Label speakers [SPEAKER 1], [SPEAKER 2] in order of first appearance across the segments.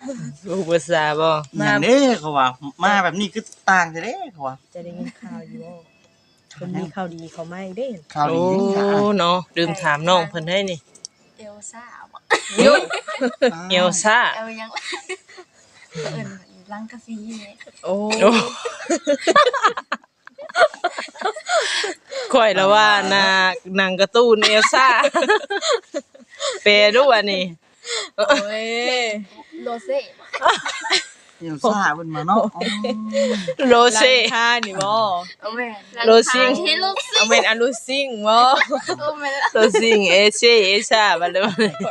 [SPEAKER 1] ลูกภาษาบ่
[SPEAKER 2] อย่างนี้เขาว่ามาแบบนี้คือต่างจะเด้เขาว่า
[SPEAKER 3] จะได้ยินข่าวอยู่บ่เพิ่นมีข่าวดีเขาไม่เด้
[SPEAKER 2] ข่าว
[SPEAKER 1] โอ้
[SPEAKER 2] ดีนี่ค่ะ
[SPEAKER 1] เนาะลืมถามน้องเพิ่นให้นี่
[SPEAKER 4] เอลซ่าบ่
[SPEAKER 1] โยเอลซ่า
[SPEAKER 4] เอลยังเอิ้นร้านกาแฟนี่
[SPEAKER 3] โอ้
[SPEAKER 1] โอ้ค่อยแล้วว่าหนังการ์ตูนเอลซ่าแปลด้วยว่านี่
[SPEAKER 3] โอ้ย
[SPEAKER 4] โรเซ่บ่
[SPEAKER 2] เดี๋ยวซ่าเพิ่นมาเนาะอ๋อ
[SPEAKER 1] โรเซ่
[SPEAKER 3] ค่านี่บ่
[SPEAKER 4] เอาแม่น
[SPEAKER 1] โรซิง
[SPEAKER 4] เฮโรซิ
[SPEAKER 3] เอาเป็นอลูซิงบ่
[SPEAKER 4] โอ้แม่น
[SPEAKER 1] โรซิงเอเซ่เอซ่าบัดเลย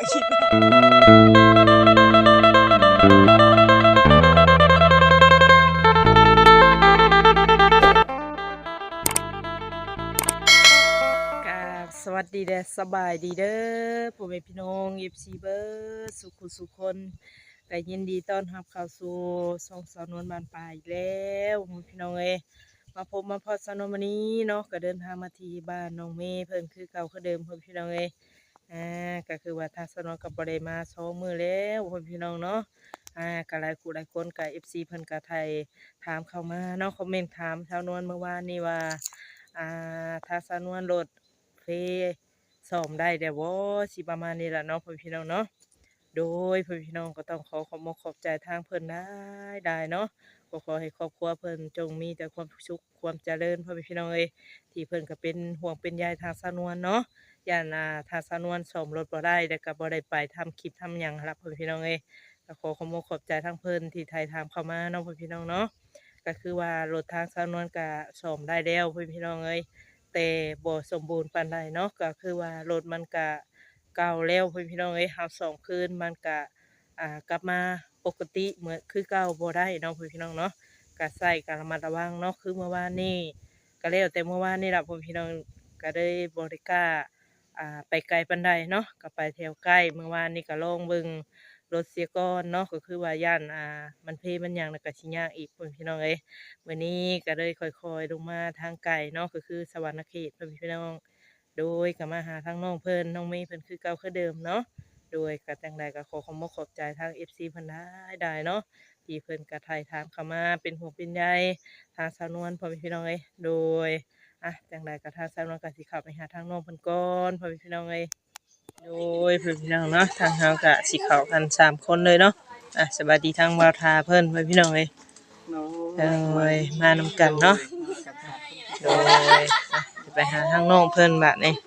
[SPEAKER 1] สวัสดีเด้อสบายดีเด้อพ่อแม่พี่น้อง FC เบิร์สุขุสุคนก็ยินดีต้อนรับเข้าสู่ช่องสาวนวลบ้านป่าอีกแล้วพ่อแม่พี่น้องเอ้ยมาพบมาพอสาวนวลวันนี้เนาะก็เดินทางมาที่บ้านน้องเมย์เพิ่นคือเก่าคือเดิมพ่อแม่พี่น้องเอ้ยก็คือว่าทางสาวนวลก็บ่ได้มา2มื้อแล้วพ่อแม่พี่น้องเนาะก็หลายคู่หลายคนก็ FC เพิ่นก็ไทยถามเข้ามาเนาะคอมเมนต์ถามสาวนวลเมื่อวานนี้ว่าทางสาวนวลรถซ่อมได้แต่ว่าสิประมาณนี้แหละเนาะพ่อพี่น้องเนาะโดยพ่อพี่น้องก็ต้องขอบใจทางเพิ่นได้เนาะก็ขอให้ครอบครัวเพิ่นจงมีแต่ความสุขความเจริญพ่อพี่น้องเอ้ยที่เพิ่นก็เป็นห่วงเป็นใยทางสาวนวลเนาะย่านทางสาวนวลซ่อมรถบ่ได้แล้วก็บ่ได้ไปทำคลิปทำหยังรับพ่อพี่น้องเอ้ยก็ขอขอบใจทางเพิ่นที่ไทยถามเข้ามาเนาะพ่อพี่น้องเนาะก็คือว่ารถทางสาวนวลก็ซ่อมได้แล้วพ่อพี่น้องเอ้ยแต่บ่สมบูรณ์ปานใดเนาะก็คือว่ารถมันก็เก่าแล้วพี่น้องเอ้ยเฮาซ่อมคืนมันก็กลับมาปกติเหมือนคือเก่าบ่ได้เนาะพี่น้องเนาะก็ใส่ก็ระมัดระวังเนาะคือเมื่อวานนี้ก็แล้วแต่เมื่อวานนี้ล่ะพี่น้องก็ได้บ่ได้กล้าไปไกลปานใดเนาะก็ไปแถวใกล้เมื่อวานนี้ก็ลองเบิ่งรถเสียก่อนเนาะก็คือว่าย่านมันเพมันหยังแล้วก็สิยากอีกพี่น้องเอ้ย วันนี้ก็เลยค่อยๆลงมาทางไกลเนาะก็คือสวรรณเขตพี่น้องโดยก็มาหาทางน้องเพิ่นน้องเมย์เพิ่นคือเก่าคือเดิมเนาะโดยก็จังใดก็ขอบใจทาง FC เพิ่นได้เนาะที่เพิ่นก็ถ่ายถามเข้ามาเป็นห่วงเป็นใยทางสาวนวลพ่อพี่น้องเอ้ยโดยจังใดก็ทางสาวนวลก็สิเข้าไปหาทางน้องเพิ่นก่อนพ่อพี่น้องเอ้ยโดยพี่น้องเนาะทางเฮาก็สิเข้ากัน3คนเลยเนาะสวัสดีทางบ่าวทาเพิ่นพ่อพี่น้องเอ้ยมานำกันเนาะโดยไปหาทางน้องเพิ่นบัดนี้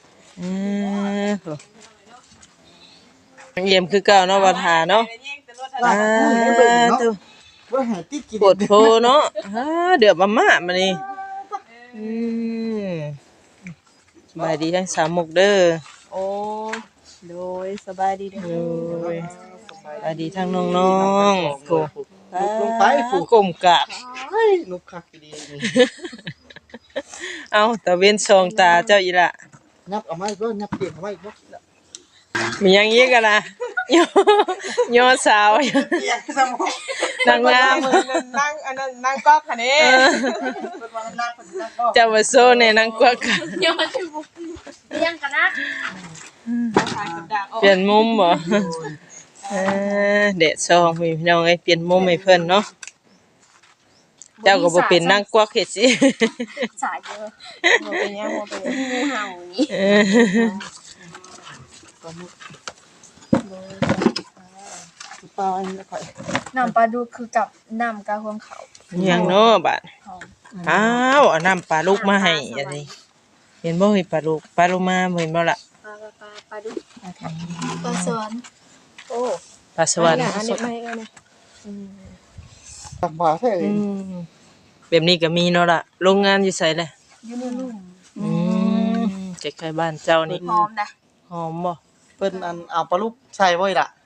[SPEAKER 1] เยี่ยมคือเก่าเนาะบ่ทาเนาะตัว
[SPEAKER 2] ว่าหาติกิน
[SPEAKER 1] ปวดโพเนาะเดือบมาม่ามานี่สบายดีทั้งสามหมกเด้อ
[SPEAKER 3] โอ้โดยสบายดีเด้อ
[SPEAKER 1] โดยสบายดีทั้งน้องๆโก
[SPEAKER 2] ลงไปผูก
[SPEAKER 1] ก้มกราบ
[SPEAKER 2] นุกคักดี
[SPEAKER 1] เอาตะเว้นสองตาเจ้าอีละ
[SPEAKER 2] นับเอาไม้ก็นับเตียงเอาไม้ก็
[SPEAKER 1] มีหยังอีกกันล่ะย่อสาว
[SPEAKER 2] เตียงสมอง
[SPEAKER 1] นางงาม
[SPEAKER 3] นั่งอันนั้นนั่งก๊อกค่ะนี่
[SPEAKER 2] เป็นวันนับเป็นนับก็
[SPEAKER 1] เจ้ามาโซ่ในนางกวัก
[SPEAKER 4] ยังมาถึงยังกันนะ
[SPEAKER 1] เปลี่ยนมุมบ่เด็ดซองพี่น้องเอ้ยเปลี่ยนมุมให้เพิ่นเนาะเจ้าก็บ่เป็นนางกวักเฮ็ดสิ
[SPEAKER 4] สายเยอะ
[SPEAKER 3] บ่เป็นหยังบ่เป็นหยัง
[SPEAKER 4] งูเห่าอย่างนี้
[SPEAKER 2] ปลาอันนี้ค่อย
[SPEAKER 4] น้ำปลาดุกคือกับน้ำกะฮวงเขา
[SPEAKER 1] หยังเนาะบาด
[SPEAKER 4] หอม
[SPEAKER 1] อ้าวเอาน้ำปลาลูกมาให้อันนี้เห็นบ่เห็นปลาลูกมาบ่เห็นบ่ล่ะ
[SPEAKER 4] ปลาดุกปลาสวน
[SPEAKER 3] โอ้
[SPEAKER 1] ปลาสวรรค์
[SPEAKER 3] อันนี้ไม่เอานะ
[SPEAKER 2] ตักบาแท้เลย
[SPEAKER 1] แบบนี้ก็มีเนาะล่ะโรงงานอยู่ไสแหละ
[SPEAKER 4] อยู่ในลุ่ม
[SPEAKER 1] ใกล้ๆบ้านเจ้านี่
[SPEAKER 4] หอมนะ
[SPEAKER 1] หอมบ่
[SPEAKER 2] เพิ่นอันเอาปลาลูกใส่บ่อยล่ะ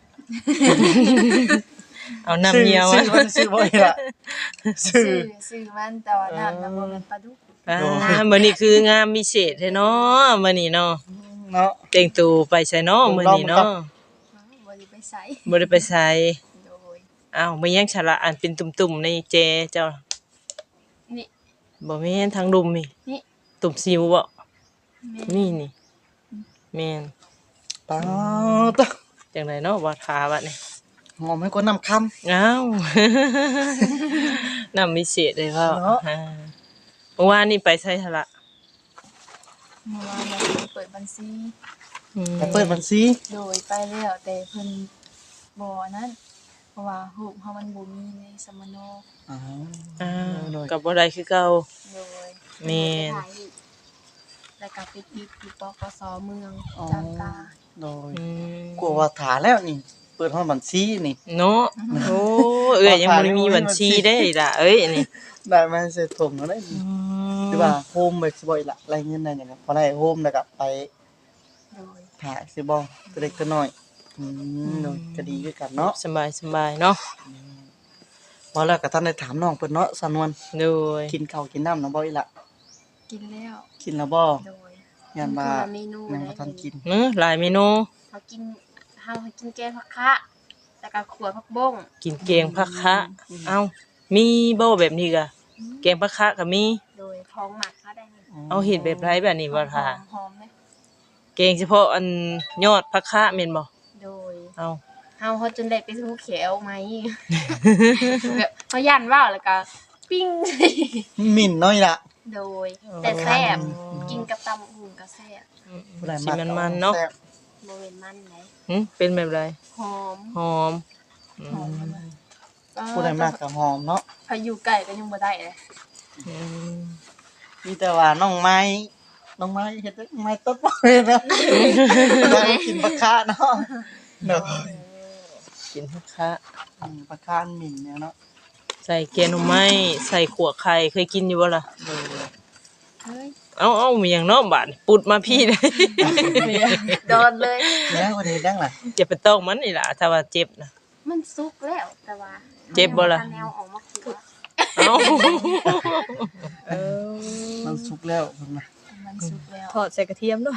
[SPEAKER 1] เอาน้ำเหี่ยว
[SPEAKER 2] ซื้อมันซื้อบ่อยล่ะซื้อ
[SPEAKER 4] ซื้อมันแต่ว่าน้ำบ่เป็นปลาดุก
[SPEAKER 1] มื้อนี้คืองามพิเศษแท้เนาะมื้อนี้เนาะ
[SPEAKER 2] เนาะ
[SPEAKER 1] แต่งตัวไปไสเนาะมื้อนี้เนาะ
[SPEAKER 4] บ่ได้ไปใส่
[SPEAKER 1] บ่ได้ไปไส
[SPEAKER 4] โดย
[SPEAKER 1] อ้าวมีหยังฉละอันเป็นตุ่มๆในแจเจ้า
[SPEAKER 4] นี่
[SPEAKER 1] บ่แม่นทางดุมนี่
[SPEAKER 4] นี่
[SPEAKER 1] ตุ่มสิวบ่
[SPEAKER 4] แม่
[SPEAKER 1] นี่แม่น
[SPEAKER 2] ปลาตะ
[SPEAKER 1] จังไดเนาะว่าทาบัดนี้
[SPEAKER 2] หอมให้คนนำคำ
[SPEAKER 1] อ้าว นำวิเศษเลยพ่อ
[SPEAKER 2] เนาะ
[SPEAKER 1] เมื่อวานนี่ไปใช้ทละ
[SPEAKER 4] เมื่อวานเราเปิดบัญชี
[SPEAKER 2] ไปเปิดบัญชี
[SPEAKER 4] โดยไปแล้วแต่เพิ่นบ่นั้นเพราะว่ารูปเฮามันบ่มีในสมโน
[SPEAKER 2] อ๋อ
[SPEAKER 1] กับบ่ได้คือเก่า
[SPEAKER 4] โดย
[SPEAKER 1] แม่น
[SPEAKER 4] ถ่ายรูปแล้วก็ไปติดอยู่ปปสเมือง
[SPEAKER 2] อ๋อ
[SPEAKER 4] จำตา
[SPEAKER 2] โดย
[SPEAKER 1] อืม
[SPEAKER 2] กลัวว่าถาแล้วนี่ เปิดห้องบัญชีนี่
[SPEAKER 1] เนาะโอ้เอ้ยยังบ่ได้มีบัญชีได้ล่ะเอ้ยอันนี้
[SPEAKER 2] ได้มาเสร็จถมแล้วได้นี่หรือว่าโฮมแบบสิบ่อีกละรายเงินได้หยังพอได้โฮมแล้วก็ไป
[SPEAKER 4] โดย
[SPEAKER 2] ถ่ายสิบ่ตัวเล็กตัวน้อยโดยก็ดีคือกันเนาะ
[SPEAKER 1] สบายเนาะ
[SPEAKER 2] บ่แล้วก็ท่านได้ถามน้องเพิ่นเนาะสำนวน
[SPEAKER 1] โดย
[SPEAKER 2] กินข้าวกินน้ำน้ำบ่อีกละ
[SPEAKER 4] กินแล้ว
[SPEAKER 2] กินแล้วบ่
[SPEAKER 4] โดย
[SPEAKER 2] งานมา
[SPEAKER 4] คนละเมนู
[SPEAKER 2] ยัง
[SPEAKER 4] ได้
[SPEAKER 2] บ่ทันกิน
[SPEAKER 1] หลายเมนู
[SPEAKER 4] เฮากินแกงผักคะแล้วก็ขัวผักบ้ง
[SPEAKER 1] กินแกงผักคะเอ้ามีบ่แบบนี้ก็แกงผักคะก็มี
[SPEAKER 4] โดยท้องหมักเขาได้นี่
[SPEAKER 1] เอาเฮ็ดแบบไรแบบนี้บ่ท่า
[SPEAKER 4] หอมๆเลย
[SPEAKER 1] แกงเฉพาะอันยอดผักคะแม่นบ่
[SPEAKER 4] โดย
[SPEAKER 1] เอา
[SPEAKER 4] เฮาจนได้ไปทูเขียวไหม แบบเฮาย่านว่าวแล้วก็ปิ้ง
[SPEAKER 2] หมิ่นน้อยละ
[SPEAKER 4] โดย แต่แซ่บกินกับตำหุ่งก็แซ่บ
[SPEAKER 2] ผู้ใด
[SPEAKER 1] สิ
[SPEAKER 2] มัก
[SPEAKER 1] มันๆเนาะ
[SPEAKER 2] แซ่บ
[SPEAKER 4] บ่เว้นมันไหน
[SPEAKER 1] เป็นแบบไร
[SPEAKER 4] หอม
[SPEAKER 1] หอม
[SPEAKER 4] หอมมาก
[SPEAKER 2] ผู้ใดมากก็หอมเนาะ
[SPEAKER 4] พายุไก่ก็ยังบ่ได้เลย
[SPEAKER 1] อืม
[SPEAKER 2] มีแต่ว่าน้องไม้เฮ็ดได้ไม้ต้นบ่เลยนะได้กินปลาคาเนาะเนาะ
[SPEAKER 1] กินผักคะ
[SPEAKER 2] ปลาคาหมิ่นเนี่ยเนาะ
[SPEAKER 1] ใส่แกงหน่อไม้ใส่ขั่วไข่เคยกินอยู่บ่ล่ะ
[SPEAKER 4] เฮ้ย
[SPEAKER 1] เอามีหยังเนาะบาดนี่ปุดมาพี่ได้
[SPEAKER 4] โดนเลย
[SPEAKER 2] แล้วบ่ได้ดังล่ะ
[SPEAKER 1] อย่าไปต้องมันนี่ล่ะถ้าว่าเจ็บนะ
[SPEAKER 4] มันสุกแล้วแต่ว่า
[SPEAKER 1] เจ็บบ่ล่ะ
[SPEAKER 4] แนวออกมาคือ
[SPEAKER 1] เอ้า
[SPEAKER 2] มันสุกแล้วเพิ่นว่า
[SPEAKER 4] มันสุกแล้ว
[SPEAKER 3] ทอดใส่กระเทียมด้วย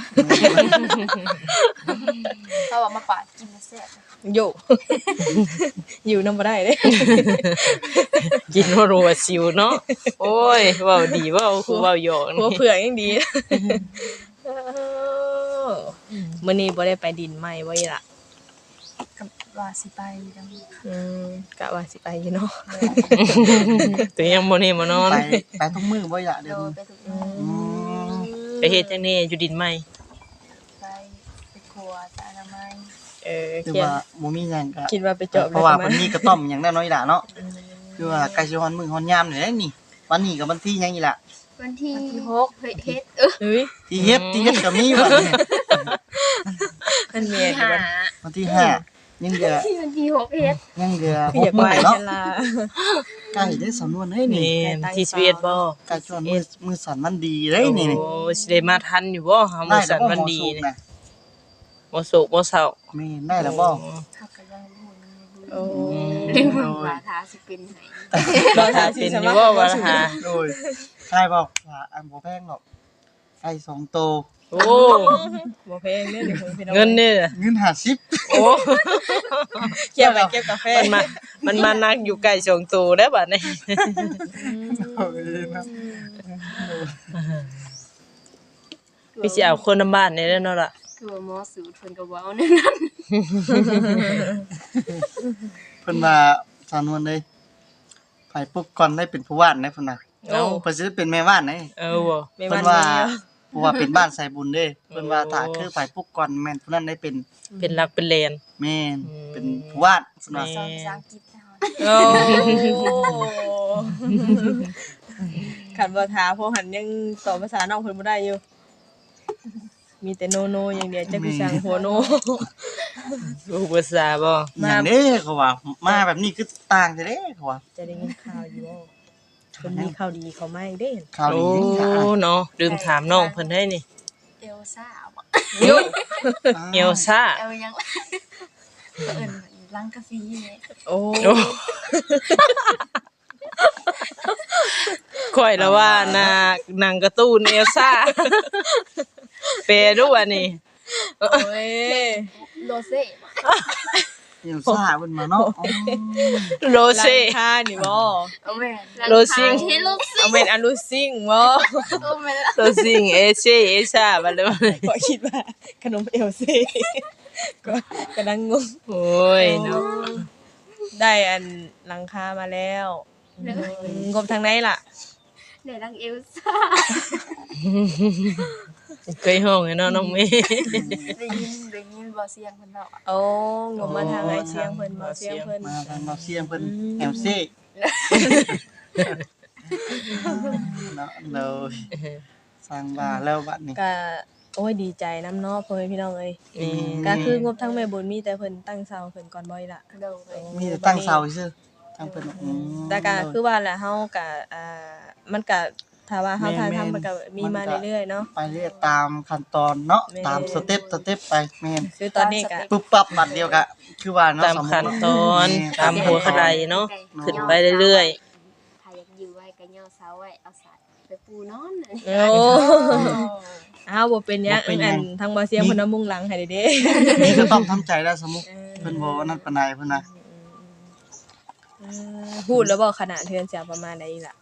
[SPEAKER 4] เขาเอามาปาดกินแล้วแซ่บ
[SPEAKER 3] โย อยู่นำบ่ได้เด้
[SPEAKER 1] กินว่ารัวสิวเนาะโอ้ยเว้าดีเว้าคือเว้าหยอก
[SPEAKER 3] หัว
[SPEAKER 1] นี่
[SPEAKER 3] เผือกยังดีมื้อนี้บ่ได้ไปดินไหม้บ่อีหล่ะ
[SPEAKER 4] กับว่าสิไปจัง
[SPEAKER 3] กะว่าสิไปอยู่เนาะ
[SPEAKER 1] ตัวยังบ่นี่บ่นอน
[SPEAKER 2] ไปทุกมื้อบ่อยากเด้
[SPEAKER 4] โด
[SPEAKER 2] อย
[SPEAKER 4] ไปทุกมื้อ
[SPEAKER 2] อืม
[SPEAKER 1] ไปเฮ็ดจังนี้อยู่ดินไหม
[SPEAKER 4] ไปครัวสะอนามัย
[SPEAKER 2] คือ
[SPEAKER 3] เขียน
[SPEAKER 2] ว่าบ่มีหยังก็
[SPEAKER 3] คิดว่าไปเจาะ
[SPEAKER 2] เพราะว่าเพิ่นมีกระต้อมหยังแน่น้อยล่ะเนาะคือว่าใกล้สิฮอดมื้อฮอดยามนี่แหละนี่วันนี้ก็วันที่หยังอีกล่ะ
[SPEAKER 4] วันที่6เฮ็ด
[SPEAKER 3] เฮ้ย
[SPEAKER 2] ที่เฮ็ดก็มีวันนี้
[SPEAKER 3] มันเมีย
[SPEAKER 4] ที่
[SPEAKER 3] อยู่
[SPEAKER 4] 5
[SPEAKER 3] บ่
[SPEAKER 2] วันที่ห้ายังเหลือ
[SPEAKER 4] วันที่6เฮ็ด
[SPEAKER 2] ยังเหลือ
[SPEAKER 3] คืออยาก
[SPEAKER 2] 6
[SPEAKER 3] ไป
[SPEAKER 2] มื้อเนาะ
[SPEAKER 3] ฉันล่ะ
[SPEAKER 2] ใกล้ได้สำนวนเฮ้ยนี่
[SPEAKER 1] นี่ที่11บ่
[SPEAKER 2] ใกล้ชวนมือสั่นมันดีเด้ยนี่
[SPEAKER 1] โอ้สิได้มาทันอยู่บ่เฮามื้อสันวันดี
[SPEAKER 2] นี่
[SPEAKER 1] นี่บ่สุกบ่เศร้า
[SPEAKER 2] แม่นได้แล้วบ่
[SPEAKER 4] ถ้าก็ยังบ่
[SPEAKER 3] โอ้
[SPEAKER 4] รู้ว่าถ้าสิเป็นไหน
[SPEAKER 3] เรา
[SPEAKER 1] ถ้า
[SPEAKER 3] ทา
[SPEAKER 1] เป็
[SPEAKER 3] สิ
[SPEAKER 1] น
[SPEAKER 3] ส
[SPEAKER 1] อ
[SPEAKER 3] มั
[SPEAKER 1] ยู่
[SPEAKER 3] คร
[SPEAKER 1] บ่ว่าหา
[SPEAKER 2] โดยใช่บ่ว่าอันบ่แพงหรอกไก่2โตว
[SPEAKER 1] โอ้
[SPEAKER 3] บ่แพงเด้อเดี๋ยวพี่น้อง
[SPEAKER 1] เงินนี่
[SPEAKER 2] เงิน50
[SPEAKER 1] โอ้
[SPEAKER 3] เกี่ยวไปเก็บกาแฟ
[SPEAKER 1] มันมานักอยู่ไกลสองตัวแล้วบัดนี้
[SPEAKER 2] เอ้ยนะ
[SPEAKER 1] พี่สิเอาคนนำบ้านนี่แหล้วเนาะล่ะ
[SPEAKER 4] คือว่าหมอสูตรเพิ่นก็เว้าแนั่น
[SPEAKER 2] เพิ่นว่าสานวนเลยไผปุ๊กก่อนได้เป็นผู้ว่านได้เพิ่นน่ะ
[SPEAKER 1] เอ้า
[SPEAKER 2] เพิ่นสิได้เป็นแม่ว่านได้
[SPEAKER 1] บ่
[SPEAKER 3] ไม่
[SPEAKER 2] เพิ่
[SPEAKER 3] มัน
[SPEAKER 2] นว่า
[SPEAKER 3] แล้ว
[SPEAKER 2] เพราะว่าเป็นบ้านใส่บุญเด้เพิ่นว่าถ้าคือไผปุ๊กก่อนแม่นผู้นั้นได้เป็น
[SPEAKER 1] เป็นรักเป็นแลน
[SPEAKER 2] แม่น
[SPEAKER 1] อืม
[SPEAKER 2] เป็นผู้ว่านเพิ่นว่า
[SPEAKER 1] แม่
[SPEAKER 4] สอนภาษาอังกฤษนะคะ
[SPEAKER 3] โอ้ขันบ่ทาเพราะหันยังตอบภาษาน้องเพิ่นบ่ได้อยู่ มีแต่โนโนอย่างเดียวจักสิสั่งหัวโน
[SPEAKER 1] รู้ภาษาบ่
[SPEAKER 2] อย่างนี้เขาว่ามาแบบนี้คือต่างจังเด้เขาว่า
[SPEAKER 3] จะได้ยินข่าวอยู่บ่เพิ่นมีข่าวดีเข้ามาอีกเด้
[SPEAKER 2] ข่าว
[SPEAKER 1] โอ้
[SPEAKER 2] ดีนี่ค่ะ
[SPEAKER 1] เนาะลืมถามน้องเพิ่นได้นี่
[SPEAKER 4] เอลซ่าบ่
[SPEAKER 1] ยุเอลซ่า
[SPEAKER 4] เอลยังเอิ้นลังกาซีนี่
[SPEAKER 3] โอ้
[SPEAKER 1] โอ้ข่อยละว่าหนังการ์ตูนเอลซ่าแปลด้วยอันนี้
[SPEAKER 3] โอ้ย
[SPEAKER 4] โรเซ่บ่
[SPEAKER 2] เดี๋ยวซ่าเพิ่นมาเนาะอ๋อ
[SPEAKER 1] โรเซ่
[SPEAKER 3] ร้านค้านี่บ่
[SPEAKER 4] เอาแม่น
[SPEAKER 1] โรซิง
[SPEAKER 4] เฮโรซิง
[SPEAKER 3] เอาเป็นอลูซิ่งบ่
[SPEAKER 4] เอาแม่น
[SPEAKER 1] โรซิงเอเซ่เอซ่าบัดเลย
[SPEAKER 3] ก็คิดว่าขนมเอลซี่ก็กำลังงง
[SPEAKER 1] โอ้ยเนาะ
[SPEAKER 3] ได้อันหลังคามาแล้ว
[SPEAKER 5] เลย
[SPEAKER 3] งบทางไหนล่ะ
[SPEAKER 5] เดี๋ยวดังเอลซ่า
[SPEAKER 1] เคยห้องให้เนาะน้องเมย์
[SPEAKER 4] ได้ยินบ่เสียงเพิ่นเนาะ
[SPEAKER 3] โอ้งบมาทางไอเสียงเพิ่นบ่เสียงเพิ่น
[SPEAKER 2] มาทางเราเสียงเพิ่นแอมซี่เนาะเลยสร้างบ้านแล้วบัดนี้
[SPEAKER 3] ก็โอ้ยดีใจนํเนาะพ่อแม่พี่น้องเอ้ย
[SPEAKER 1] นี่
[SPEAKER 3] ก็คืองบทั้งแม่บุญมีแต่เพิ่นตั้งเสาเพิ่นก่อนบ่อยล่ะ
[SPEAKER 4] โดย
[SPEAKER 2] มีแต่ตั้งเสาซื่อทางเพิ่น
[SPEAKER 3] แต่ก็คือว่าแหละเฮาก็มันก็ถ้าว่าเฮาทางทำมันก็มีมาเรื่อยๆเนาะ
[SPEAKER 2] ไปเรื่อยตามขั้นตอนเนาะ
[SPEAKER 3] แม่
[SPEAKER 2] ตามสเต็ปไปแม่น
[SPEAKER 3] คือตอนนี้ก็
[SPEAKER 2] ปุ๊บปั๊บบัดเดียวก็คือว่าเนาะ
[SPEAKER 1] ตามขั้นตอนตามหัวกระไดเนาะ
[SPEAKER 5] ไก่
[SPEAKER 1] ขึ้นไปเรื่อย
[SPEAKER 5] ถ้าอยากอยู่ไว้ก็ย่อเสาไว้เอาสายไปปูนอนน่ะ
[SPEAKER 3] โอ้อ้าวบ่เป็นหยังอันทางบ่เสียงเพิ่นเอามุงหลังให้เด้
[SPEAKER 2] นี่ก็ต้องทำใจแล้วสมมุติเพิ่นบ่ว่านั่นปานใดเพิ่นน่ะ
[SPEAKER 3] พูดแล้วบ่ขนาดเทือนเสียประมาณใดล่ะ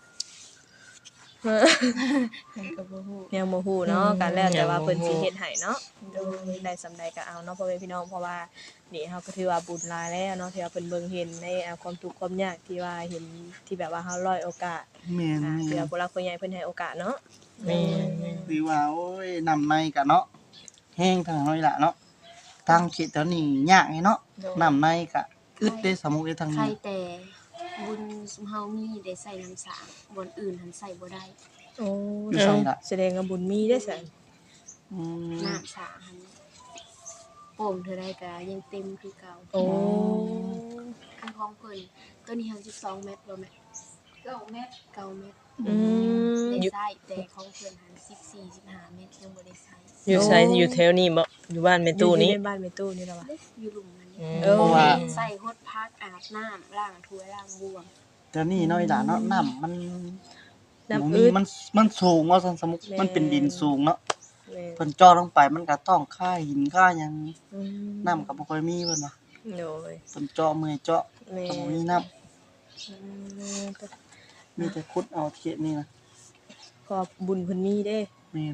[SPEAKER 4] ก็บ่ฮู้
[SPEAKER 3] ยังบ่ฮู้เนาะกันแล้วแต่ว่าเพิ่นสิเฮ็ดให้เนาะโดยได้สำใดก็เอาเนาะพ่อแม่พี่น้องเพราะว่านี่เฮาก็ถือว่าบุญหลายแล้วเนาะที่ว่าเพิ่นเบิ่งเห็นในความทุกข์ความยากที่ว่าเห็นที่แบบว่าเฮาร้อยโอกาส
[SPEAKER 2] แม่น
[SPEAKER 3] ที่ว่าผู้หลักผู้ใหญ่เพิ่นให้โอกาสเนาะ
[SPEAKER 1] ๆนี่
[SPEAKER 2] หรือว่าโอ้ยนำในก็เนาะแห้งทางน้อยละเนาะทางคิดแถวนี้ยากไงเนาะนำในก็อึดได้สมมุติทาง
[SPEAKER 5] ใคร
[SPEAKER 2] นี้
[SPEAKER 5] แต่บุญเฮามีได้ใส่น้ำสางบนอื่นหันใส่บ่ได้
[SPEAKER 3] โอ้แสดงว่าบุญมีเด้อซั่น
[SPEAKER 2] อืม
[SPEAKER 5] น้ำสางหันโป่งเท่าใดก็ยังเต็มคือเก่า
[SPEAKER 3] โอ้
[SPEAKER 5] คือของเพิ่นตัวนี้หัน12เมตรบ่แม่9เมตร9เมตร
[SPEAKER 3] อืม
[SPEAKER 5] ได้ใส่แต่ของเพิ่นหัน14 15เมตรยังบ่ได้ใส่
[SPEAKER 1] อยู่ไสอยู่แถวนี้บ่อยู่บ้านแม่ตู้นี้
[SPEAKER 3] อยู่ในบ้านแม่ตู้นี่ล่ะวะ
[SPEAKER 5] เด้อยู่หลุมมัน
[SPEAKER 1] อื
[SPEAKER 5] นี่
[SPEAKER 1] ม
[SPEAKER 2] เพราะว่า
[SPEAKER 5] ใส่ฮดพักอาบน้ำล้างถ้วยล้างบวง
[SPEAKER 2] แถวนี้น้อยละเนาะน้ำมัน
[SPEAKER 3] น้ำ
[SPEAKER 2] บ่
[SPEAKER 3] อึ
[SPEAKER 2] มี
[SPEAKER 3] ด
[SPEAKER 2] มันสูงว่าซั่นสมมุติ
[SPEAKER 3] แม่
[SPEAKER 2] มันเป็นดินสูงเนาะ
[SPEAKER 3] แม่
[SPEAKER 2] เพิ่นเจ่อลงไปมันก็ต้องค่าหินค่าหยัง
[SPEAKER 3] อืม
[SPEAKER 2] น้ำก็บ่ค่อยมีเพิ่นว่า
[SPEAKER 3] โดย
[SPEAKER 2] เพิ่นเจาะมือเจาะ
[SPEAKER 3] แม่
[SPEAKER 2] ก็บ่มีน้ำ
[SPEAKER 3] อืม
[SPEAKER 2] มีแต่ขุดเอาเขตนี่นะ
[SPEAKER 3] ขอบบุญเพิ่นมีเด้
[SPEAKER 2] แม่น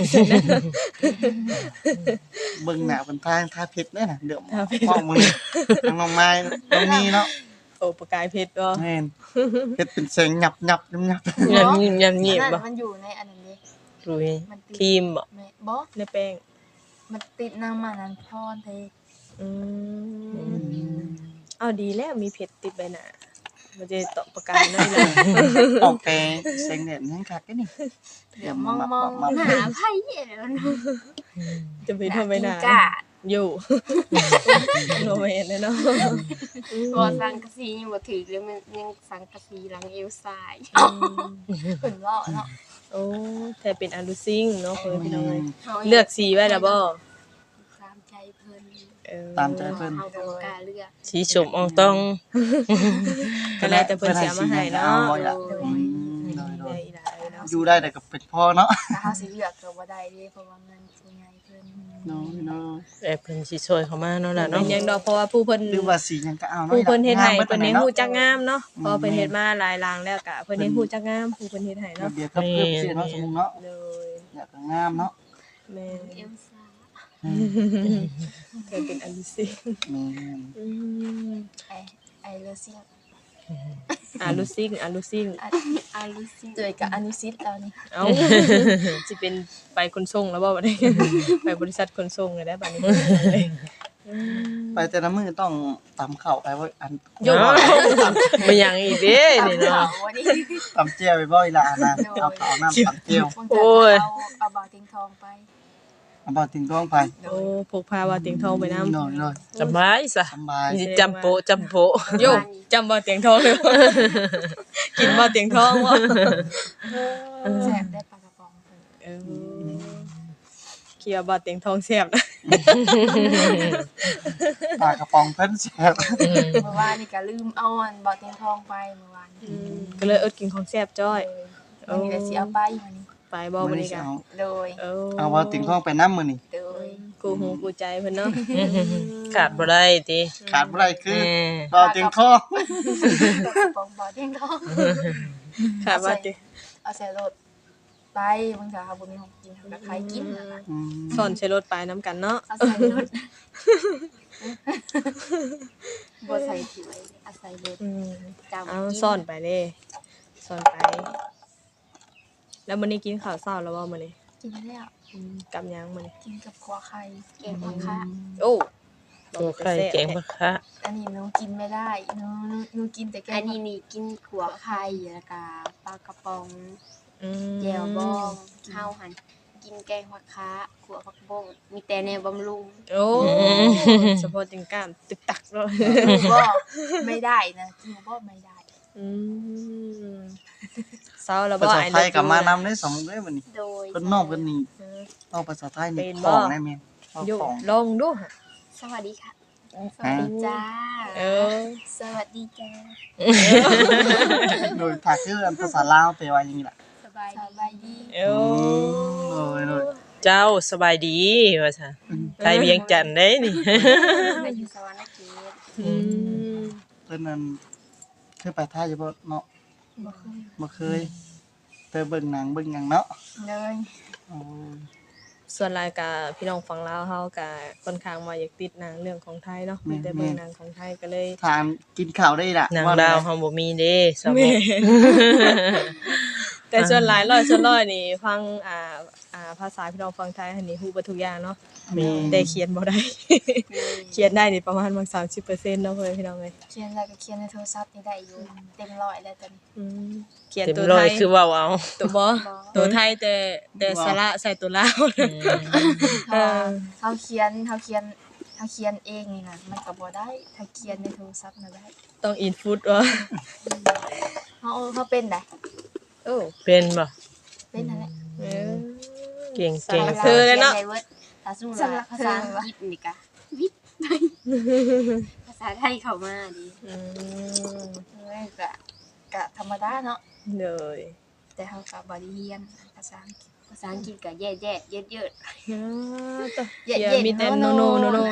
[SPEAKER 2] เบิ่งหน้าเพิ่นทางทาเพชรเด้อน่ะเดี๋ยวพ่อมือทางน้องไม้ตรงนี้เนาะ
[SPEAKER 3] โอ้ประกายเพชรบ่
[SPEAKER 2] แม่นเพชรเป็นแสงหยับยับ
[SPEAKER 1] ยำยิ้มยำยิ้ม
[SPEAKER 4] นั่น
[SPEAKER 1] บ่
[SPEAKER 4] มันอยู่ในอันนั้นเด้
[SPEAKER 1] รุย
[SPEAKER 4] มันติด
[SPEAKER 1] ครีมบ่
[SPEAKER 4] แม่บ่
[SPEAKER 3] ในแป้ง
[SPEAKER 4] มันติดน้ำมันนั้นพรเท
[SPEAKER 3] อืมเอาดีแล้วมีเพชรติดใบหน้ามันจะตอกประกายน้อยล่ะ
[SPEAKER 2] ออกแต่แสงแดดยังคักเด้นี่
[SPEAKER 4] เดี๋ยวมองๆ
[SPEAKER 5] หาไผแล้วเนาะ
[SPEAKER 3] จะไปทำใบหน้า
[SPEAKER 5] กิ้งก่า
[SPEAKER 3] อยู่โนแมนเลยเนาะ
[SPEAKER 5] บ่สังกะสียังบ่ถึกเลยมันยังสังกะสีหลังเอวซ้าย
[SPEAKER 4] เพิ่นเว้าเนาะ
[SPEAKER 3] โอ้แต่เป็นอลูซิงเนาะเพิ่นพี่น้องเอ้ย
[SPEAKER 5] ฮา
[SPEAKER 3] เลือกสีไว้แล้วบ่
[SPEAKER 5] ตามใจเพิ่น
[SPEAKER 3] เออ
[SPEAKER 2] ตามใจเพิ่น
[SPEAKER 5] เฮาบ่กล้าเลือก
[SPEAKER 1] สีชมอองต้อง
[SPEAKER 3] ก็แล้วแต่เพิ่นสิเอามาให้เนาะ
[SPEAKER 2] บ่อยละ
[SPEAKER 3] โด
[SPEAKER 2] อื
[SPEAKER 3] ย
[SPEAKER 2] มโดย
[SPEAKER 3] ได้อีหลายเนาะ
[SPEAKER 2] อยู่ได้แต่ก็เป็นพ่อเนาะ
[SPEAKER 4] ถ้าเฮาสิเลือกก็บ่ได้เด้เพราะว่าเงินผู้ใหญ่เพิ่น
[SPEAKER 2] เนาะเนาะ
[SPEAKER 1] แต่เพิ่นสิช่วยเข้ามาเนาะล่ะ
[SPEAKER 3] เป็
[SPEAKER 1] เนาะ
[SPEAKER 3] นหยังดอกเพราะว่าผู้เพิ่น
[SPEAKER 2] หรือว่าสีหยังก็เอาเนาะ
[SPEAKER 3] ผู้เพิ่นเฮ็ดให้
[SPEAKER 2] งาม
[SPEAKER 3] เพิ่นเฮ็ด
[SPEAKER 2] นาะ
[SPEAKER 3] ฮู้จักงามเนาะพอเพิ่นเฮ็ดมาหลายหลางแล้วก็เพิ่นเฮ็ดฮู้จักงามผู้เพิ่นเฮ็ดให้
[SPEAKER 2] ระ
[SPEAKER 3] เนาะ
[SPEAKER 2] เบียบกับเพิ่มสิเนาะสมมุติเนาะ
[SPEAKER 3] เลย
[SPEAKER 2] อยากก็งามเนาะ
[SPEAKER 3] แม่
[SPEAKER 5] เอวซ้าย
[SPEAKER 3] เคยเป็นอลูซิง
[SPEAKER 2] แม่น
[SPEAKER 3] อืม
[SPEAKER 4] ไอเลเซีย
[SPEAKER 3] อลูซิงอลูซิง
[SPEAKER 5] อาลุซิ
[SPEAKER 4] เจอกับอนุสิตแล้วนี่
[SPEAKER 3] เอ้าสิเป็นไปขนส่งแล้วบ่บัดนี้ ไปบริษัทขนส่งเลยได้บัดนี้
[SPEAKER 2] ไปแต่ละมื้อต้องตำข้าวไปบ่อัน
[SPEAKER 3] โยม
[SPEAKER 1] บ่ยังอีกเด้นี่เนาะ
[SPEAKER 4] วันนี้
[SPEAKER 2] ตำเจียวไปบ่อีหล่ะนะเอาข้าวน้ำตำเจียว
[SPEAKER 4] บาง
[SPEAKER 1] โอ้ย
[SPEAKER 4] เอาบาติงทองไป
[SPEAKER 2] เอาบ่ถึงท้องไป
[SPEAKER 3] โอ้พกพาว่าเตียงทองไปนำ
[SPEAKER 2] น้อย
[SPEAKER 1] สบายซะ
[SPEAKER 2] สบาย
[SPEAKER 1] มีจำโปะจำโปะ
[SPEAKER 3] โยจำบ่เตียงทองเลยบ่กินบ่เตียงทองบ่
[SPEAKER 4] แซ่บได้ปลากระป๋องเพิ่น
[SPEAKER 3] เออเคียบ่เตียงทองแซ่บนะ
[SPEAKER 2] ปลากระป๋องเพิ่นแซ่บ
[SPEAKER 4] เมื่อวานนี่ก็ลืมเอาอันบาติงทองไปเมื่อวาน
[SPEAKER 3] ก็เลยอดกินของแซ่บจ้อย
[SPEAKER 4] วันนี้ก็สิเอาไปวันนี้
[SPEAKER 3] ไปบ่มื้อนี้ก็
[SPEAKER 4] โดย
[SPEAKER 2] เอาบ่ถึงท้องไปน้ำมื้อนี่
[SPEAKER 4] โดย
[SPEAKER 3] กูหูกูใจเพิ่นเนาะ
[SPEAKER 1] ขาดบ่ได้ติ
[SPEAKER 2] ขาดบ่ได้คือ
[SPEAKER 1] แม่
[SPEAKER 2] บ่ถึงท้อง
[SPEAKER 4] กระป๋องบาติงทอง
[SPEAKER 3] ค่ะว่าติ
[SPEAKER 4] เอาใส่รถไปบางทีเขาบ่มีของกินเขาก็ขายกินนั่นน่ะ
[SPEAKER 2] อืม
[SPEAKER 3] สอนใช้รถไปนํกันเนาะ
[SPEAKER 4] เอาใส่รถ
[SPEAKER 5] บ่ใส่ถ้วยอาศัยรถ
[SPEAKER 3] อืม
[SPEAKER 5] จำ
[SPEAKER 3] เอา
[SPEAKER 5] กิน
[SPEAKER 3] ซ่อนไปเด้ซ่อนไป แล้วมื้อนี้กินข้าวเช้าแล้วบ่มื้อนี้
[SPEAKER 4] กินแล้ว
[SPEAKER 3] กับหยังมื้อนี้
[SPEAKER 4] กินกับขัวไข่
[SPEAKER 5] แกงผักคะ
[SPEAKER 3] โอ้
[SPEAKER 1] ตัวไข่แกงมะคะ
[SPEAKER 4] อันนี้หนูกินไม่ได้หนูกินแต่แก
[SPEAKER 5] อั
[SPEAKER 4] ง
[SPEAKER 5] นนี้นี่กินขัวไข่แล้วก็ปลากระป๋อง
[SPEAKER 3] อืม
[SPEAKER 5] แจ่วบองข้าวหั่นกินแกงผักคะขัวผักบงมีแต่แนวบำรุง
[SPEAKER 3] โอ้เฉพาะจิงกล้ามตึกตักเลย
[SPEAKER 4] หนูก็ไม่ได้นะหนูก็ไม่ได้
[SPEAKER 3] อืมเศร้าแล้ว
[SPEAKER 2] ภา
[SPEAKER 3] บ่
[SPEAKER 2] ษา
[SPEAKER 3] ไอ้
[SPEAKER 2] ไทยก็มานำได้สองเด้อบัดนี้
[SPEAKER 5] โดย
[SPEAKER 2] เพิ่นนอกเพิ่นนี่
[SPEAKER 3] เออ
[SPEAKER 2] เอาภาษาไทยนี่
[SPEAKER 3] เป็น
[SPEAKER 2] ข
[SPEAKER 3] บ่
[SPEAKER 2] องได้แม่นเอา
[SPEAKER 3] อยู่
[SPEAKER 2] ของ
[SPEAKER 3] ลองดูค่ะ
[SPEAKER 5] สวัสดีค่ะ สวัสดีจ้า
[SPEAKER 3] เออ
[SPEAKER 5] สวัสดีจ้า
[SPEAKER 2] โดยถ้าคืออันภาษาลาวแปลว่าอย่างนี้ล่ะ
[SPEAKER 5] สบาย
[SPEAKER 4] สบายดี
[SPEAKER 3] เออ
[SPEAKER 2] โดย
[SPEAKER 1] เจ้าสบายดีว่าซะไทยเวียงจันทน์ได้นี่
[SPEAKER 5] ไปอยู่สวรรค์เขต
[SPEAKER 3] อืม
[SPEAKER 2] เพิ่นนั้นเคยไปไทยอยู่บ่เนาะ
[SPEAKER 4] บ่เคย
[SPEAKER 2] บ่เคยแต่เบิ่งหนังเบิ่งหยังเนาะ
[SPEAKER 4] เลย
[SPEAKER 2] โอ้
[SPEAKER 3] ส่วนรายการพี่น้องฝั่งลาวเฮาก็ค่อนข้างว่าอยากติดหนังเรื่องของไทยเนาะมีแต่เบิ่งหนังของไทยก็เลย
[SPEAKER 2] ทานกินข้าวได้ล่ะ
[SPEAKER 1] นาง
[SPEAKER 2] ว่า
[SPEAKER 1] ดาว
[SPEAKER 2] แม่
[SPEAKER 1] เฮาบ่มีเด้สม
[SPEAKER 3] แม่
[SPEAKER 1] อง
[SPEAKER 3] แต่ส่วนหลายร้อยส่วนร้อยนี่ฟังภาษาพี่น้องฟังไทยอันนี้ฮู้เบ่ทุกอย่างเนาะ
[SPEAKER 2] แม่
[SPEAKER 3] แต่เขียนบ่ได้ เขียนได้นี่ประมาณบาง30%เนาะเพิ่นพี่น้องเอ้ย
[SPEAKER 4] เขียนแล้วก็เขียนในโทรศัพท์นี่ได้อยู่เต็มร้อยแล้วตอนนี้
[SPEAKER 3] อืมเขียน
[SPEAKER 1] เต็ม
[SPEAKER 3] ตัว
[SPEAKER 1] ร้อ
[SPEAKER 3] ไท
[SPEAKER 1] ย
[SPEAKER 3] ย
[SPEAKER 1] คือเว้าเอา
[SPEAKER 3] ตัวบ่ตัวไทยแต่สระใส่ตัวลาว
[SPEAKER 4] เพราะว่าเขาเขียนเองนี่นะมันก็บ่ได้ถ้าเขียนในโทรศัพท์น่ะได้
[SPEAKER 3] ต้องอินฟุตวะ
[SPEAKER 4] เขาเป็นได้
[SPEAKER 3] โอ้
[SPEAKER 1] เป็นบ่
[SPEAKER 4] เป็นนั่นแหละ
[SPEAKER 3] เออ
[SPEAKER 1] เก่ง
[SPEAKER 3] สำหรับเธอเลยเนาะ
[SPEAKER 5] ขียใวิร์ดถ้าสมมุติว่าภาษาอังกฤษนี่ก็วิทย์ภาษาไทยเข้ามาดิ
[SPEAKER 3] อืม
[SPEAKER 4] เลยก็ธรรมดาเนาะ
[SPEAKER 3] เลย
[SPEAKER 4] แต่เขาก็บ่ได้เรียนภาษาอังกฤษ
[SPEAKER 5] ภาษาอังกฤษก็แย่ๆเยอะ
[SPEAKER 3] อ่าต่อ
[SPEAKER 4] เย็ด
[SPEAKER 3] เดี๋ยว
[SPEAKER 4] เย็ด
[SPEAKER 3] มีแต่
[SPEAKER 4] โน
[SPEAKER 3] โน
[SPEAKER 4] โน
[SPEAKER 3] โนโนโน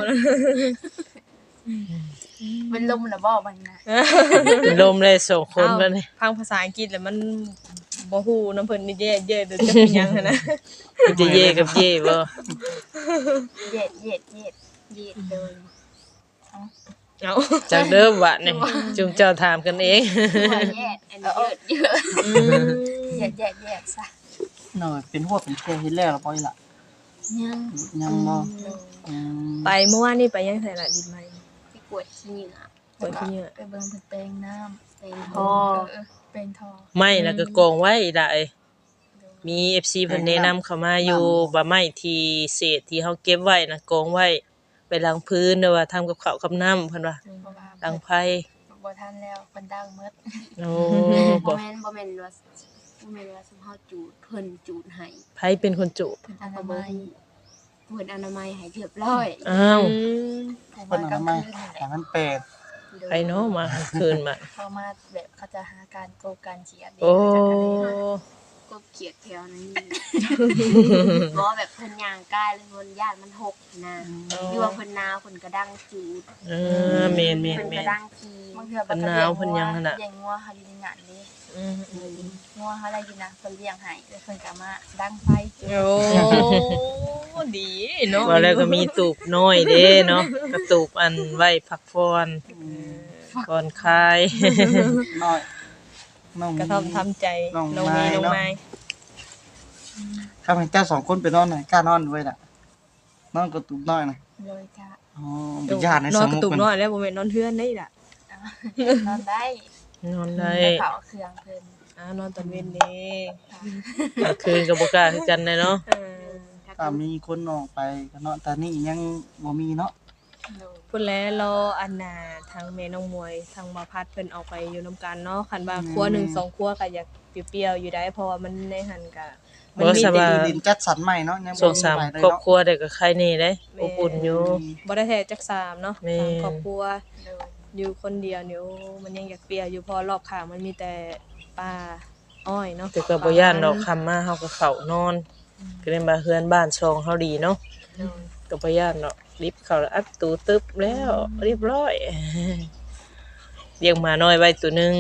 [SPEAKER 4] มันลมน่ะบ่มันนะ
[SPEAKER 1] ลมเลยส่งคนมานี่
[SPEAKER 3] พังภาษาอังกฤษแล้วมันบ่ฮู้น้ำเพิ่นนี่แย่เดี๋ยวจะเป็นหยังหันนะ
[SPEAKER 1] มันจะเย่กับเย่บ่
[SPEAKER 4] เย็ด
[SPEAKER 5] ๆเย็ดเลย
[SPEAKER 3] เอา
[SPEAKER 1] จากเดิมวะนี่จุงเจ้าถามกันเอง
[SPEAKER 5] ว่าแย่อันนี้เยอะ
[SPEAKER 4] เย็ดซะ
[SPEAKER 2] หน่อยเป็นหัวเป็นแค่เฮ็ดแล้วล่ะบ่อีหล่ะ
[SPEAKER 4] ยัง
[SPEAKER 2] ยังบ่อืม
[SPEAKER 3] ไปเมื่อวานนี่ไปยังไสล่ะดินไหม
[SPEAKER 5] ไปกวดขี้เหงื่อ
[SPEAKER 3] ไปที่เนี่ย
[SPEAKER 4] ไปเบิ่งเพิ่นแปลงน้ำ
[SPEAKER 5] เป็น
[SPEAKER 4] เ
[SPEAKER 5] ทอ
[SPEAKER 4] แปลงทอ
[SPEAKER 1] ไม่แล้วก็กองไว้ได้มี FC เพิ่นแนะนำเข้ามาอยู่ว่าไม้ที่เศษที่เฮาเก็บไว้นะกองไว้ไปล้างพื้นหรือว่าทำกับข้าวกับน้ำเพิ่นว่า
[SPEAKER 4] เพราะว่า
[SPEAKER 1] ล้างไผ
[SPEAKER 4] บ่ทันแล้วเพิ่นดังหมด
[SPEAKER 1] โอ้
[SPEAKER 5] บ่
[SPEAKER 1] บ่
[SPEAKER 5] แม่นว่าสมเฮาจูดเพิ่นจูดให้
[SPEAKER 1] ไผเป็นคนจุ
[SPEAKER 4] เพิ่นอ
[SPEAKER 5] เอา
[SPEAKER 4] นา
[SPEAKER 5] ก็
[SPEAKER 4] มั
[SPEAKER 5] เบิ่
[SPEAKER 4] ย
[SPEAKER 5] งเพิ่นอนามัยให้เรียบร้อย
[SPEAKER 1] อ้าว
[SPEAKER 4] เขา
[SPEAKER 2] เพิ่น
[SPEAKER 4] มา
[SPEAKER 2] เอา
[SPEAKER 4] กลาง
[SPEAKER 2] มา
[SPEAKER 4] คืนนี่แห
[SPEAKER 2] ให้
[SPEAKER 4] ละ
[SPEAKER 2] มันแปลก
[SPEAKER 1] ไผเนาะมาคืนมา
[SPEAKER 4] เขามาแบบเขาจะหาการโกงการเฉียด
[SPEAKER 1] โอ้
[SPEAKER 5] ก็เกลียดแถวนั้นนี่บ่แบบเพิ่นย่างกายเลยเพิ่นย่านมันหกนะหรือว่าเพิ่นหนาวเพิ่นก็ดังจูด
[SPEAKER 1] เออแม่น
[SPEAKER 5] เพิ่นก็
[SPEAKER 1] ๆ
[SPEAKER 5] ดังที
[SPEAKER 4] บางเทื่อ
[SPEAKER 1] เพิ่นหนาวเพิ่นยังหั่นน่ะ
[SPEAKER 4] เลี้ยงงัวเขาอยู่ในงานนี้
[SPEAKER 1] ๆอืม
[SPEAKER 4] งัวเขาอะไรอยู่นะเพิ่นเลี้ยงให้แล้วเพิ่นก็มาดังไฟ
[SPEAKER 3] โอ้ดีเนาะ
[SPEAKER 1] ว่าแล้วก็มีตูบน้อยเด้เนาะกระตูบอันไว้พักผ่อนก่อนคลาย
[SPEAKER 2] น้อยน้อง
[SPEAKER 3] กระท่อมทำใจ
[SPEAKER 2] น้อง
[SPEAKER 3] น้อง
[SPEAKER 2] ไม้
[SPEAKER 3] มีน้อง
[SPEAKER 2] เนาะ
[SPEAKER 3] ไม้
[SPEAKER 2] ถ้าเพิ่นเจ้าสองคนไปนอนหน่อยกล้านอนด้วยล่ะนอนกระตุกน้อยน่ะ
[SPEAKER 4] เลยจ้ะ
[SPEAKER 2] อ๋อเป็นญาติใน
[SPEAKER 3] นอ
[SPEAKER 2] ส
[SPEAKER 3] น
[SPEAKER 2] ม
[SPEAKER 3] ก
[SPEAKER 2] มุ
[SPEAKER 3] ระ
[SPEAKER 2] ติ
[SPEAKER 3] ตุก
[SPEAKER 2] เพิ่น
[SPEAKER 3] น้อยแล้วบ่แม่นนอนเทือนได้ล่ะ
[SPEAKER 4] นอนได้
[SPEAKER 1] นอนได้
[SPEAKER 4] ไปเผาเครื่องเพิ่น
[SPEAKER 3] นอนตอนเว้นเด้
[SPEAKER 1] กลางคืนก็บ่กล้าคือกันเลยเนาะ
[SPEAKER 2] ถ้ามีคนออกไปก็เนาะแต่นี่ยังบ่มีเนาะ
[SPEAKER 4] โดย
[SPEAKER 3] พุ่นแล้วรออันน่ะทางแม่น้องมวยทางบ่พัดเพิ่นออกไปอยู่นํกันเนาะคันว่าครัวหนึ่งสองครัวก็อยากเปรี้ยวๆอยู่ได้เพราะว่ามันในหันก็มันมี
[SPEAKER 1] บ่ส
[SPEAKER 3] แต่
[SPEAKER 1] บาย
[SPEAKER 2] คือดินจัดสรรใหม่เนาะยัง
[SPEAKER 1] ส
[SPEAKER 2] บ่
[SPEAKER 1] อง
[SPEAKER 2] มี
[SPEAKER 1] สาม
[SPEAKER 2] ไปเลย
[SPEAKER 1] ครอบ
[SPEAKER 2] เนาะ
[SPEAKER 1] ครัวได้ก็ใครนี่เด้อบอุ่นอยู่
[SPEAKER 3] บ่ได้แท้จักสามเนาะ
[SPEAKER 1] แม่
[SPEAKER 3] สามครอบครัว
[SPEAKER 4] โดย
[SPEAKER 3] อยู่คนเดียวเนี่ยโอ้มันยังอยากเปรี้ยวอยู่เพอรอบข้างมันมีแต่ป่าอ้อยเนาะ
[SPEAKER 1] แต่ก็บ่ย่านดอกคำมาเฮาก็เข้านอนก็เล่นบ่าเฮือนบ้านช่องเฮาดีเนาะก็บ่ย่านดอกลิฟต์เข้าแล้วอัดตูตึบแล้วเรียบร้อยเลี้ยงหมาน้อยไว้ตัวหนึง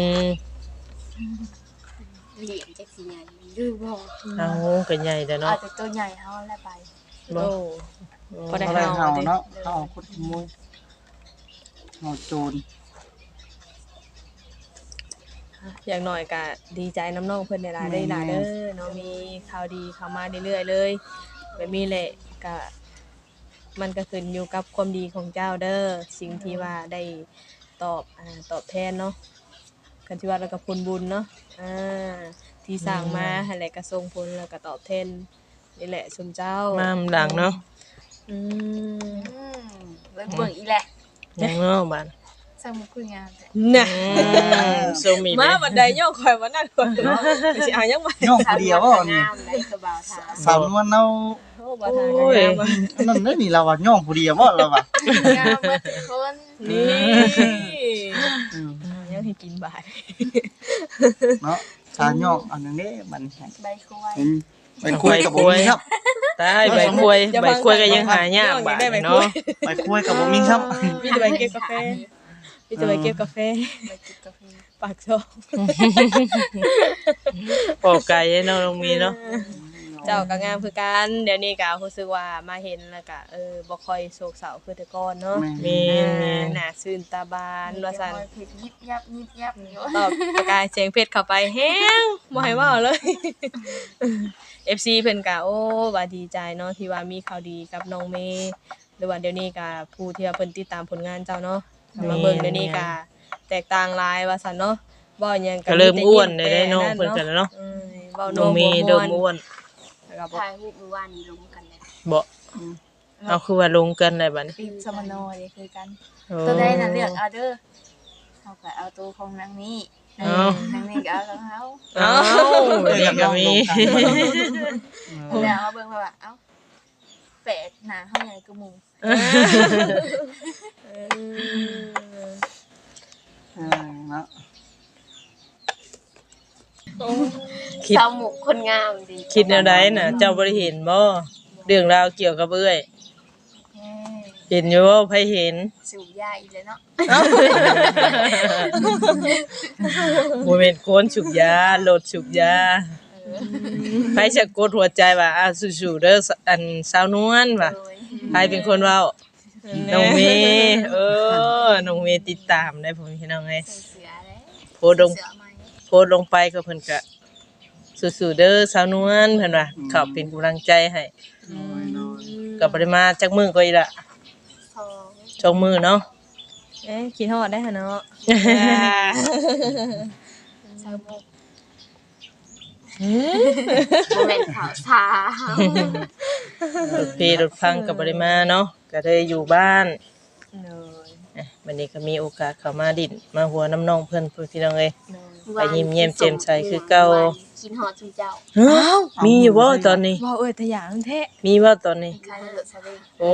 [SPEAKER 5] เหลี่ยมจักสิใหญ่หรือบ่
[SPEAKER 1] เอาก็ใหญ่แล้ว
[SPEAKER 4] อา
[SPEAKER 1] เนาะ
[SPEAKER 4] จจะตัวใหญ่เฮาแล้วไป
[SPEAKER 1] บ่
[SPEAKER 3] โอ้ พอได้
[SPEAKER 2] บ่ได้
[SPEAKER 3] เฮา
[SPEAKER 2] เฮา
[SPEAKER 3] เด้
[SPEAKER 2] เนาะเฮาคนขโมยเฮาโจร
[SPEAKER 3] อย่างน้อยก็ดีใจน้ำน้องเพิ่นหลายๆได้หลายเด้อเนาะมีข่าวดีเข้ามาเรื่อยๆเลยแบบนี้แหละก็มันก็ขึ้นอยู่กับความดีของเจ้าเด้อสิ่งที่ว่าได้ตอบแทนเนาะกันที่ว่าแล้วก็ผลบุญเนาะที่สร้างมาหั่นแหละก็ส่งผลแล้วก็ตอบแทนนี่แหละสมเจ้า
[SPEAKER 1] มาหลังเนาะ
[SPEAKER 3] อืม
[SPEAKER 4] เบิ่งเบิ่งอีแหละ
[SPEAKER 1] ยังเนาะบาด
[SPEAKER 4] สมุกคุยงานแท้
[SPEAKER 3] น่ะ
[SPEAKER 1] โซมี
[SPEAKER 3] มาบัดใดย่อข่อยว่านั่นข่อยเนาะไปสิเอายังมา
[SPEAKER 2] ย่องผู้เดียวบ่นี่
[SPEAKER 5] งามได้กระบ่าวทา
[SPEAKER 2] สาวนวลเรา
[SPEAKER 3] โอ้บ่ทางกันงามอะ
[SPEAKER 2] อันนั้นได้นี่เราว่าย่องผู้เดียวบ่เราว่า
[SPEAKER 4] งามเบิดทุกคน
[SPEAKER 3] นี่
[SPEAKER 2] อืม
[SPEAKER 3] ยังให้กินบาด
[SPEAKER 2] เนาะสาย่องอันนั้นเด้มันแข็ง
[SPEAKER 4] ใบคุย
[SPEAKER 2] ไปคุยกับบ่มีครับ
[SPEAKER 1] ตายใบกล้วยใบกล้วยก็ยังหายากบาดเนาะ
[SPEAKER 2] ไปคุยกับบ่มีครับ
[SPEAKER 3] มีแต่ใบเก็บกาแฟมีแต่ใบเก็บกาแฟ
[SPEAKER 4] ใบจิบกาแฟ
[SPEAKER 3] ปากช่อง
[SPEAKER 1] ปอกไก่เนาะน้องมีเนาะ
[SPEAKER 3] เจ้าก็งามคือกันเดี๋ยวนี้ก็รู้สึกว่ามาเห็นแล้วก็บ่ค่อยโศกเศร้าคือแต่ก่อนเนาะ
[SPEAKER 1] มี
[SPEAKER 3] หน้าชื่นตาบานว่าซั่น
[SPEAKER 4] เผ็ดยิบยับยิบยับอยู่
[SPEAKER 3] ตอบประกายเสียงเพชรเข้าไปแฮงบ่ให้เว้าเลย FC เพิ่นก็โอ้ว่าดีใจเนาะที่ว่ามีข่าวดีกับน้องเมย์หรือว่าเดี๋ยวนี้ก็ผู้ที่ว่าเพิ่นติดตามผลงานเจ้าเนาะมาเบิ่งเดี๋ยวนี้ก็แตกต่างหลายว่าซั่นเนาะบ่หยัง
[SPEAKER 1] ก็เริ่มอ้วนได้น้องเพิ่นกันแล้วเนาะ
[SPEAKER 3] เว้า
[SPEAKER 1] น้องมีเริ่มอ้วน
[SPEAKER 3] แล้วก็บ่
[SPEAKER 5] ถ่ายรูปเมื่อวานนี้ลงกันเลย
[SPEAKER 1] บ่เอาคือว่าลงกันได้บัดนี้
[SPEAKER 4] ปีสมโนเลยคือกัน
[SPEAKER 1] โอ้
[SPEAKER 4] ตัวได้น่ะเลือกเอาเด้อเฮาก็เอาตัวของนางนี้
[SPEAKER 1] เอา
[SPEAKER 4] นางนี้ก็เอาของเฮา
[SPEAKER 1] เอ้าเด็กก็มี
[SPEAKER 4] แล้วเอาเบิ่งว่าเอ้าแปลกหน้าเฮาใหญ่กว่าหมู่
[SPEAKER 2] เนาะ
[SPEAKER 1] คิด
[SPEAKER 5] สาวหมุกคนงามดี
[SPEAKER 1] คิดแนวใดน่ะเจ้าบ่ได้เห็นบ่เรื่องราวเกี่ยวกับเอ้ย
[SPEAKER 4] เอ้ย
[SPEAKER 1] เห็นอยู่บ่ไผเห็น
[SPEAKER 4] สูบยาอีกแล้วเนาะ
[SPEAKER 1] บ่แม่นโคนฉุกยาโลดฉุกยาไผจะกดหัวใจว่าสู้ๆเด้ออันสาวนวลว่า
[SPEAKER 4] โดย
[SPEAKER 1] ใครเป็นคนเว้าน้องเมย์น้องเมย์ติดตามได้ผมพี่น้องไง
[SPEAKER 4] ใส่เสือแล้ว
[SPEAKER 1] โพสต์ลง
[SPEAKER 4] เสือไหม
[SPEAKER 1] โพสต์ลงไปก็เพิ่นก็สู้ๆเด้อสาวนวลเพิ่นว่าเข้าเป็นกำลังใจให้ก็บ่ได้มาจักมื้อก็อีกละ
[SPEAKER 5] ทอง
[SPEAKER 1] สองมื้อเนาะ
[SPEAKER 3] คิดฮอดได้หั่นเนาะ
[SPEAKER 4] สาวมุก
[SPEAKER 5] โมเมนต์ขาวชาร
[SPEAKER 1] ถเพรถพังก็บ่ได้มาเนาะก็ได้อยู่บ้าน
[SPEAKER 3] เลย
[SPEAKER 1] วันนี้ก็มีโอกาสเข้ามาดินมาหัวน้ำน้องเพิ่นพี่น้องเอ้ย
[SPEAKER 3] เลย
[SPEAKER 1] ไปยิ้มแย้มแจ่มใสคือเก่า
[SPEAKER 5] กินฮอดจุเจ้า
[SPEAKER 1] มีอยู่บ่ตอนนี้
[SPEAKER 3] ว่าแต่อย่างแท้
[SPEAKER 1] มีบ่ตอนนี้
[SPEAKER 4] ใครเหลือซะเด้
[SPEAKER 1] โอ้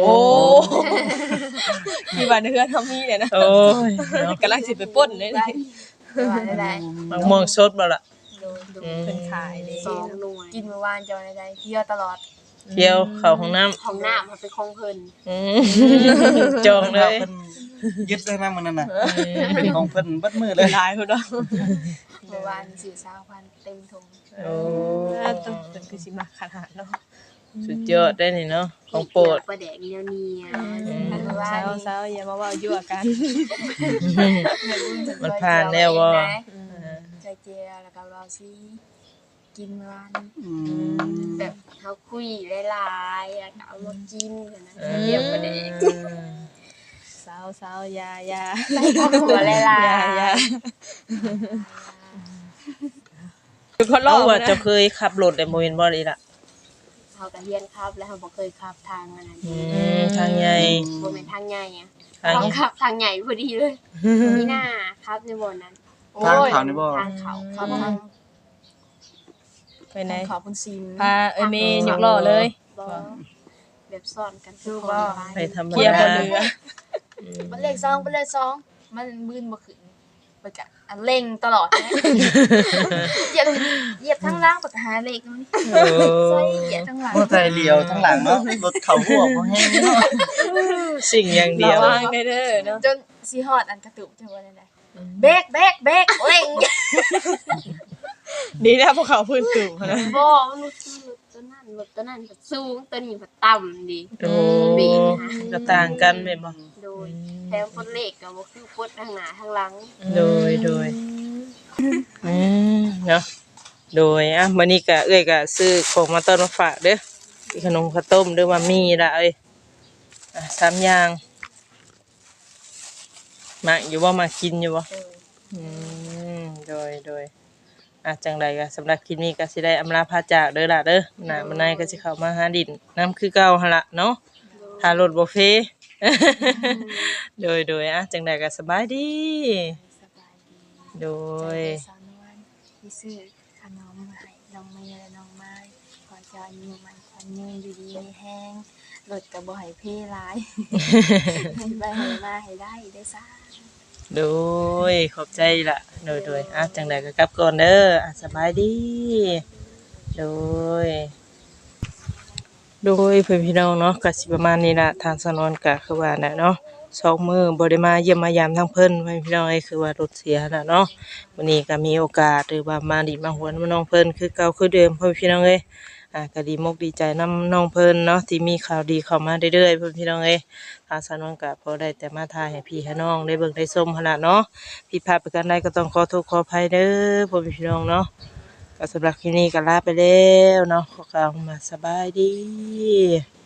[SPEAKER 3] ที่บ้านเฮือนเฮามีเนี่ยนะ
[SPEAKER 1] โอ้ยเนาะ
[SPEAKER 3] กำลังสิไปปล้นเลยนี่
[SPEAKER 4] ว่าได้
[SPEAKER 1] มะม่วงสดบ่ล่ะ
[SPEAKER 4] โดย
[SPEAKER 1] อืม
[SPEAKER 3] เพิ่นขายเด้
[SPEAKER 5] สองหน่วย
[SPEAKER 4] กินเมื่อวานเจอได้เที่ยวตลอด
[SPEAKER 1] เที่ยวเข้าห้องน้ำ
[SPEAKER 5] ของหน้ามาเป็นคงเพิ่น
[SPEAKER 1] จองเลย
[SPEAKER 2] เพิ่นยึดเลยนะมันนั่นน่ะเป็นของเพิ่นเบิดมือเลย
[SPEAKER 3] หลายพุ่นเนาะ
[SPEAKER 4] เมื่อวานสื่อสาวพันเต็มถุง
[SPEAKER 1] โอ้
[SPEAKER 3] ต้นเป็นคือสิมาขนาดเนาะ
[SPEAKER 1] สุดยอดได้นี่เนาะของโปรด
[SPEAKER 5] ประแดกเนียวเนีย
[SPEAKER 4] เมื่อวาน
[SPEAKER 3] เช้าอย่ามาเว้ายั่วกัน
[SPEAKER 1] มันผ่านแล้วบ่
[SPEAKER 4] ใจเจียแล้วก็เราซีกินเมื่อวาน
[SPEAKER 2] อืม
[SPEAKER 5] แบบเขาคุยหลายๆแล้วก็เอามากินกันนะเยี่ยมประแดก
[SPEAKER 3] สาวๆยา
[SPEAKER 5] หัวหลาย
[SPEAKER 3] ยาคือคนรอ
[SPEAKER 1] เอา
[SPEAKER 3] บ
[SPEAKER 1] ว่า
[SPEAKER 3] นะ
[SPEAKER 1] เจะเคยขับรถได้บ่เห็นบ่นี่ล่ะ
[SPEAKER 5] ๆเขาก็เฮียนครับแล้วเขาบ่เคยขับทางอันนั้น
[SPEAKER 1] ทางใหญ่
[SPEAKER 5] บ่แม่นทางใหญ่อะ
[SPEAKER 1] ทาง
[SPEAKER 5] เขา
[SPEAKER 1] ใหญ่
[SPEAKER 5] ขับทางใหญ่พอดีเลยนี่น่าครับในบ่นั้น
[SPEAKER 2] ทางเขานี่บ่
[SPEAKER 5] ทางเขา
[SPEAKER 4] เขาทาง
[SPEAKER 3] ไปไหน
[SPEAKER 4] ขอบคุณซิม
[SPEAKER 3] พาเมย์ยกล้อเลย
[SPEAKER 5] บ่แบบซ่อนกัน
[SPEAKER 4] คือ
[SPEAKER 5] คน
[SPEAKER 4] ว่า
[SPEAKER 1] ไปธรรม
[SPEAKER 3] เคลียร์
[SPEAKER 1] ดา
[SPEAKER 3] บ่เหลือ
[SPEAKER 4] มันเลข2เป็นเลข2มันมืนบ่ขึ้นไปกะอันเร่งตลอดนะเหยียบทั้งล่างปากหาเลขมัน
[SPEAKER 1] โอ้
[SPEAKER 4] ใส่เหยียบทั้งหลัง
[SPEAKER 2] บ่ใจเลียวทั้งหลังเนาะรถเขาหัวบ่แห้งเนาะ
[SPEAKER 1] สิ่งอย่างเดียว
[SPEAKER 3] ระวังเด้อเนาะ
[SPEAKER 4] จนสิฮอดอันกระตุกจังว่าได้เบรกเร่ง
[SPEAKER 3] ดีนะพวกเขาพื้นสูงนะ
[SPEAKER 5] บ่มันรถตัวนั้นแบบสูงตัวนี้แบบต่ำดี
[SPEAKER 1] โอ้ก็ต่างกันแม่นบ่
[SPEAKER 5] โดยแถมปลดเลขก็บ่คือปลดทางหน้าทางหลัง
[SPEAKER 1] โดยเนาะโดยมื้อนี้ก็เอ้ยก็ซื้อของมาต้อนมาฝากเด้อมีขนมข้าวต้มเด้อว่ามีละเอ้ย3อย่างมาอยู่บ่มากินอยู่บ่อืมโดยจังใดก็สำหรับคลิปนี้ก็สิได้อำลาพาจากเด้อล่ะเด้อน่ะมื้อในก็สิเข้ามาหาดินน้ำคือเก่าหั่นล่ะเนาะถ้ารถบ่เฟ โดยจังใดก็สบายดี
[SPEAKER 4] สบายดี
[SPEAKER 1] โดย
[SPEAKER 4] สาวนวลที่ซื้อขนมมาให้น้องเมย์และน้องไม้ขอเจะอายุมันขวัญยืนอยู่ดีมีแห้งรถก็บ่ให้เพหลาย ให้ไปให้มาให้ได้ซ่า
[SPEAKER 1] โดยขอบใจล่ะโดยจังใดก็กลับก่อนเด้อสบายดีโดยเพื่อนพี่น้องเนาะก็สิประมาณนี้ล่ะทางสนวนก็คือว่าน่ะเนาะ2 มื้อบ่ได้มาเยี่ยมมายามทางเพิ่นเพื่อนพี่น้องคือว่ารถเสียน่ะเนาะวันนี้ก็มีโอกาสหรือว่ามาดิมาหวนมาน้องเพิ่นคือเก่าคือเดิมเพื่อนพี่น้องก็ดีมกดีใจนำน้องเพิ่นเนาะที่มีข่าวดีเข้ามาเรื่อยๆเพื่อนพี่น้องทางสนวนก็พอได้แต่มาถ่ายให้พี่ให้น้องได้เบิ่งได้ชมหั่นล่ะเนาะผิดพลาดประการใดก็ต้องขอโทษขออภัยเด้อเพื่อนพี่น้องเนาะก็สำหรับคลิปนี้ก็ลาไปแล้วเนาะขอกล่าวมาสบายดี